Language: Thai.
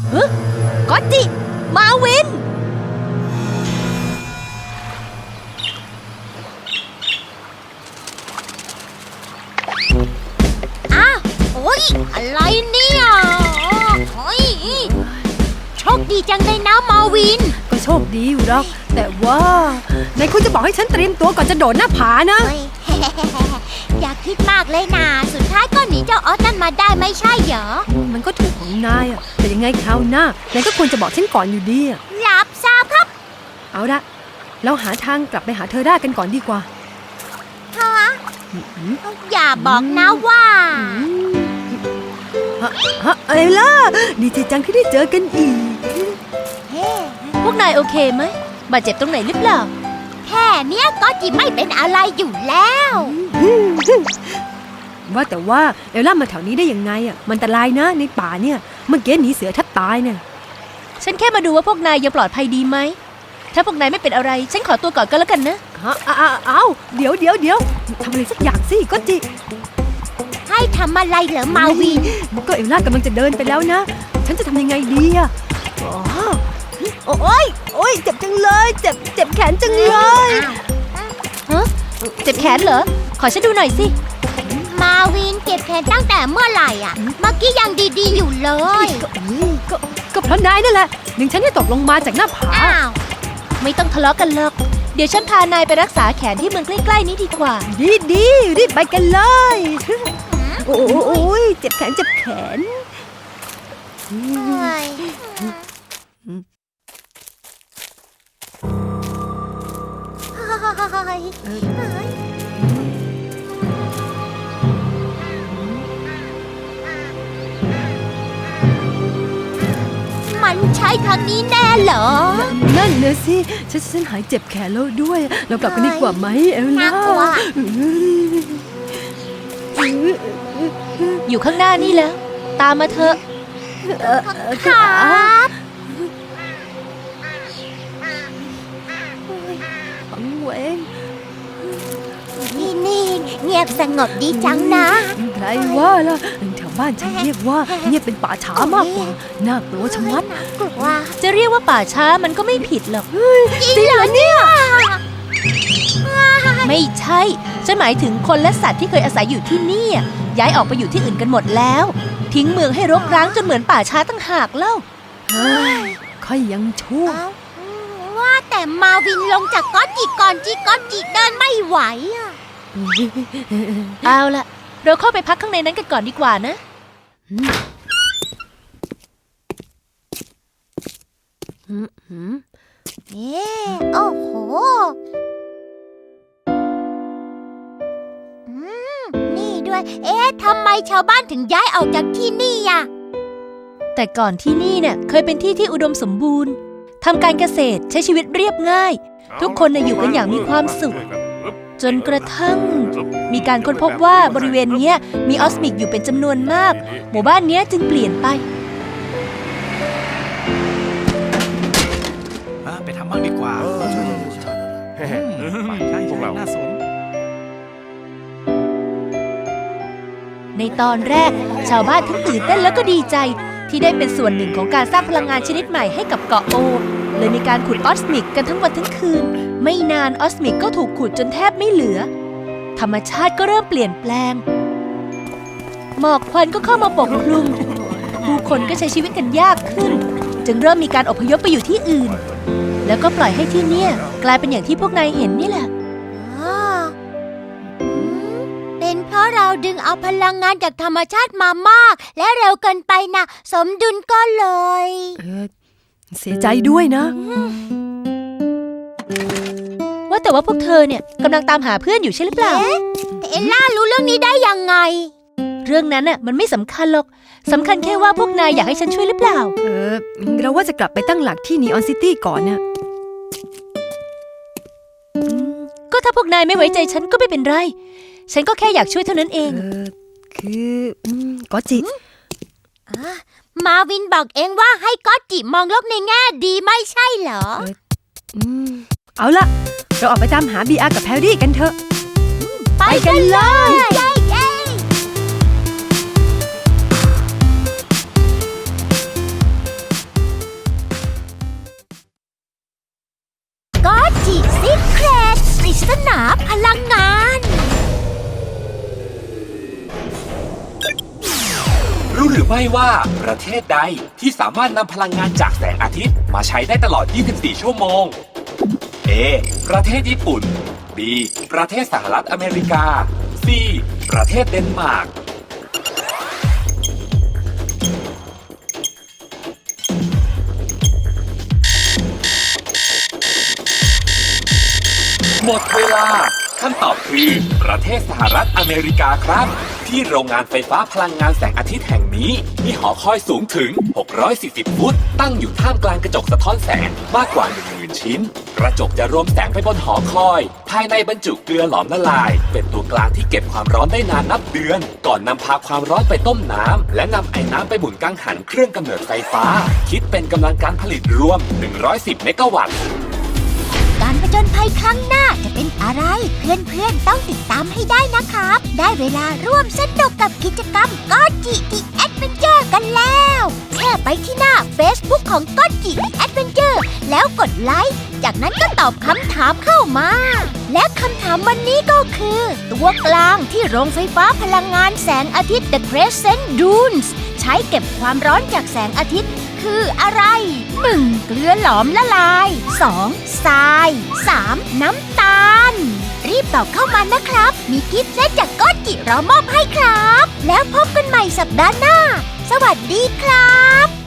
ก็จิ มาวินอ้าวโอ้ยอะไรเนี่ยโอ้ยโชคดีจังเลยนะมาวินก็โชคดีอยู่หรอกแต่ว่าไหนคุณจะบอกให้ฉันเตรียมตัวก่อนจะโดดหน้าผานะเฮ้ย อย่าคิดมากเลยนะสุดท้ายก็หนีเจ้าออสนั่นมาได้ไม่ใช่เหรอมันก็ถูกของนายอะแต่ยังไงคราวหน้านายก็ควรจะบอกฉันก่อนอยู่ดีอะรับทราบครับเอาละเราหาทางกลับไปหาเธอได้กันก่อนดีกว่าฮะอย่าบอกนะว่าเอล่าดีใจจังที่ได้เจอกันอีกเฮ้พวกนายโอเคไหม บาดเจ็บตรงไหนหรือเปล่าแค่เนี้ยก็จิไม่เป็นอะไรอยู่แล้วว่าแต่ว่าเอลล่ามาแถวนี้ได้ยังไงอ่ะมันอันตรายนะในป่าเนี่ยเมื่อกี้หนีเสือแทบตายเนี่ยฉันแค่มาดูว่าพวกนายยังปลอดภัยดีไหม ถ้าพวกนายไม่เป็นอะไร ฉันขอตัวก่อนก็แล้วกันนะเอาเดี๋ยวทำอะไรสักอย่างสิก็จิให้ทำอะไรเหรอมาวินก็เอลล่ากำลังจะเดินไปแล้วนะ ฉันจะทำยังไงดีอ่ะโอ้ยเจ็บจังเลยเจ็บแขนจังเลยเจ็บแขนเหรอ ขอฉันดูหน่อยสิมาวินเก็บแขนตั้งแต่เมื่อไหร่อ่ะ เมื่อกี้ยังดีๆอยู่เลยก็เพราะนายนั่นแหละดึงฉันให้ตกลงมาจากหน้าผาอ้าวไม่ต้องทะเลาะกันหรอก เดี๋ยวฉันพานายไปรักษาแขนที่เมืองใกล้ๆนี้ดีกว่าดีรีบไปกันเลยโอ้ยเจ็บแขนเฮ้ยมันใช่ทางนี้แน่เหรอนั่นนะสิฉันหายเจ็บแขนแล้วด้วย เรากลับกันดีกว่าไหมเอลล่าน่ากลัวอยู่ข้างหน้านี่แล้ว ตามมาเถอะครับฝังเวงที่นี่เงียบสงบดีจังนะใครว่าล่ะแถวบ้านฉันเรียกว่าเนี่ยเป็นป่าช้ามากกว่าน่ากลัวชะมัดน่ากลัวจะเรียกว่าป่าช้ามันก็ไม่ผิดหรอกจริงเหรอเนี่ยไม่ใช่ ฉันหมายถึงคนและสัตว์ที่เคยอาศัยอยู่ที่นี่อะย้ายออกไปอยู่ที่อื่นกันหมดแล้ว ทิ้งเมืองให้รกร้างจนเหมือนป่าช้าตั้งหากเล่าเฮ้ยค่อยยังชั่วว่าแต่มาวินลงจากก๊อตจิก่อนที่ก๊อตจิเดินไม่ไหวอ่ะเอาล่ะ เราเข้าไปพักข้างในนั้นกันก่อนดีกว่านะเอ๊ะโอ้โหนี่ด้วย เอ๊ะทำไมชาวบ้านถึงย้ายออกจากที่นี่อ่ะแต่ก่อนที่นี่เนี่ยเคยเป็นที่ที่อุดมสมบูรณ์ทำการเกษตรใช้ชีวิตเรียบง่าย ทุกคนน่ะอยู่กันอย่างมีความสุข จนกระทั่งมีการค้นพบว่าบริเวณเนี้ยมีออสมิกอยู่เป็นจำนวนมาก หมู่บ้านเนี้ยจึงเปลี่ยนไปไปทำบ้างดีกว่าใช่พวกเราน่าสนในตอนแรกชาวบ้านทั้งตื่นเต้นแล้วก็ดีใจ ที่ได้เป็นส่วนหนึ่งของการสร้างพลังงานชนิดใหม่ให้กับเกาะโอเลยมีการขุดออสมิกกันทั้งวันทั้งคืน ไม่นานออสมิกก็ถูกขุดจนแทบไม่เหลือ ธรรมชาติก็เริ่มเปลี่ยนแปลง หมอกควันก็เข้ามาปกคลุม ผู้คนก็ใช้ชีวิตกันยากขึ้น จึงเริ่มมีการอพยพไปอยู่ที่อื่น แล้วก็ปล่อยให้ที่เนี่ยกลายเป็นอย่างที่พวกนายเห็นนี่แหละเป็นเพราะเราดึงเอาพลังงานจากธรรมชาติมามาก และเร็วเกินไปนะสมดุลก็เลยเสียใจด้วยนะว่าแต่ว่าพวกเธอเนี่ยกำลังตามหาเพื่อนอยู่ใช่หรือเปล่าแต่เอลล่ารู้เรื่องนี้ได้ยังไงเรื่องนั้นน่ะมันไม่สำคัญหรอกสำคัญแค่ว่าพวกนายอยากให้ฉันช่วยหรือเปล่าเราว่าจะกลับไปตั้งหลักที่นีออนซิตี้ก่อนนะก็ถ้าพวกนายไม่ไว้ใจฉันก็ไม่เป็นไร ฉันก็แค่อยากช่วยเท่านั้นเองคือก็จิมาวินบอกเองว่าให้ก๊อตจิมองโลกในแง่ดีไม่ใช่เหรอเอาละเราออกไปตามหาบีอาร์กับแพรรี่กันเถอะไปกันเลยเย้สนาพลังงานรู้หรือไม่ว่าประเทศใดที่สามารถนำพลังงานจากแสงอาทิตย์มาใช้ได้ตลอด 24 ชั่วโมง A ประเทศญี่ปุ่น B ประเทศสหรัฐอเมริกา C ประเทศเดนมาร์ก หมดเวลาคำตอบคือประเทศสหรัฐอเมริกาครับ ที่โรงงานไฟฟ้าพลังงานแสงอาทิตย์แห่งนี้มีหอคอยสูงถึง 640 ฟุต ตั้งอยู่ท่ามกลางกระจกสะท้อนแสงมากกว่า 10,000 ชิ้น กระจกจะรวมแสงไปบนหอคอย ภายในบรรจุเกลือหลอมละลาย เป็นตัวกลางที่เก็บความร้อนได้นานนับเดือน ก่อนนำพาความร้อนไปต้มน้ำและนำไอ้น้ำไปหมุนกังหันเครื่องกำเนิดไฟฟ้า คิดเป็นกำลังการผลิตรวม 110 เมกะวัตต์การผจญภัยครั้งหน้าจะเป็นอะไร เพื่อนๆต้องติดตามให้ได้นะครับ ได้เวลาร่วมสนุกกับกิจกรรมก็จิดีแอดเวนเจอร์กันแล้วแค่ไปที่หน้า Facebook ของก็จิดีแอดเวนเจอร์แล้วกดไลค์จากนั้นก็ตอบคำถามเข้ามา และคำถามวันนี้ก็คือ ตัวกลางที่โรงไฟฟ้าพลังงานแสงอาทิตย์ The Crescent Dunes ใช้เก็บความร้อนจากแสงอาทิตย์คืออะไร 1. เกลือหลอมละลาย 2. ทราย 3. น้ำตาล รีบตอบเข้ามานะครับ มีกิฟต์เซตจากก็จิรอมอบให้ครับ แล้วพบกันใหม่สัปดาห์หน้า สวัสดีครับ